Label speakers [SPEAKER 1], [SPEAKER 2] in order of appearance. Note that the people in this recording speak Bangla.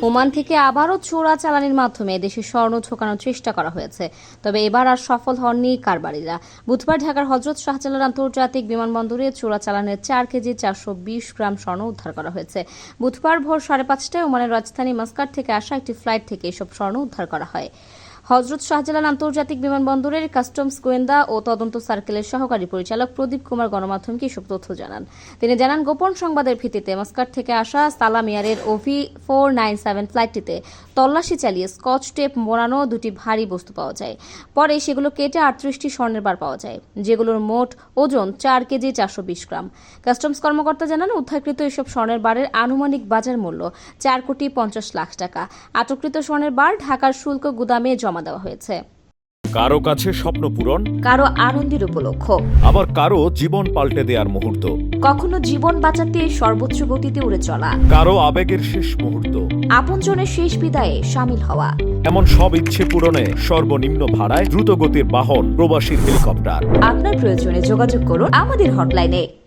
[SPEAKER 1] ওমান থেকে আবারও চোরাচালানির মাধ্যমে দেশে স্বর্ণ ঢোকানোর চেষ্টা করা হয়েছে, তবে এবার আর সফল হননি কারবারিরা। বুধবার ঢাকার হযরত শাহজালাল আন্তর্জাতিক বিমানবন্দরে চোরাচালানের 4 কেজি 420 গ্রাম স্বর্ণ উদ্ধার করা হয়েছে। বুধবার ভোর 5:30টায় ওমানের রাজধানী মাস্কাট থেকে আসা একটি ফ্লাইট থেকে এসব স্বর্ণ উদ্ধার করা হয়। হযরত শাহজালাল আন্তর্জাতিক বিমানবন্দরের কাস্টমস গোয়েন্দা ও তদন্ত সার্কেলের সহকারী পরিচালক প্রদীপ কুমার গণমাধ্যমকে এসব তথ্য জানান। তিনি জানান, গোপন সংবাদের ভিত্তিতে মাস্কাট থেকে আসা সালাম এয়ারের OV 497 ফ্লাইটটিতে তল্লাশি চালিয়ে স্কচ টেপ মোড়ানো দুটি ভারী বস্তু পাওয়া যায়। পরে সেগুলো কেটে 38টি স্বর্ণের বার পাওয়া যায়, যেগুলোর মোট ওজন 4 কেজি 420 গ্রাম। কাস্টমস কর্মকর্তা জানান, উদ্ধারকৃত এসব স্বর্ণের বারের আনুমানিক বাজার মূল্য 4,50,00,000 টাকা। আটককৃত স্বর্ণের বার ঢাকার শুল্ক গুদামে জমা দেওয়া হয়েছে।
[SPEAKER 2] কারো কাছে স্বপ্ন পূরণ,
[SPEAKER 1] কারো আনন্দের উপলক্ষ,
[SPEAKER 2] আবার কারো জীবন পাল্টে দেওয়ার মুহূর্ত,
[SPEAKER 1] কখনো জীবন বাঁচাতে সর্বোচ্চ গতিতে উড়ে চলা,
[SPEAKER 2] কারো আবেগের শেষ মুহূর্ত,
[SPEAKER 1] আপনজনের শেষ বিদায়ে শামিল হওয়া।
[SPEAKER 2] এমন সব ইচ্ছে পূরণে সর্বনিম্ন ভাড়ায় দ্রুতগতির বাহন প্রবাসীর হেলিকপ্টার।
[SPEAKER 1] আপনার প্রয়োজনে যোগাযোগ করুন আমাদের হটলাইনে।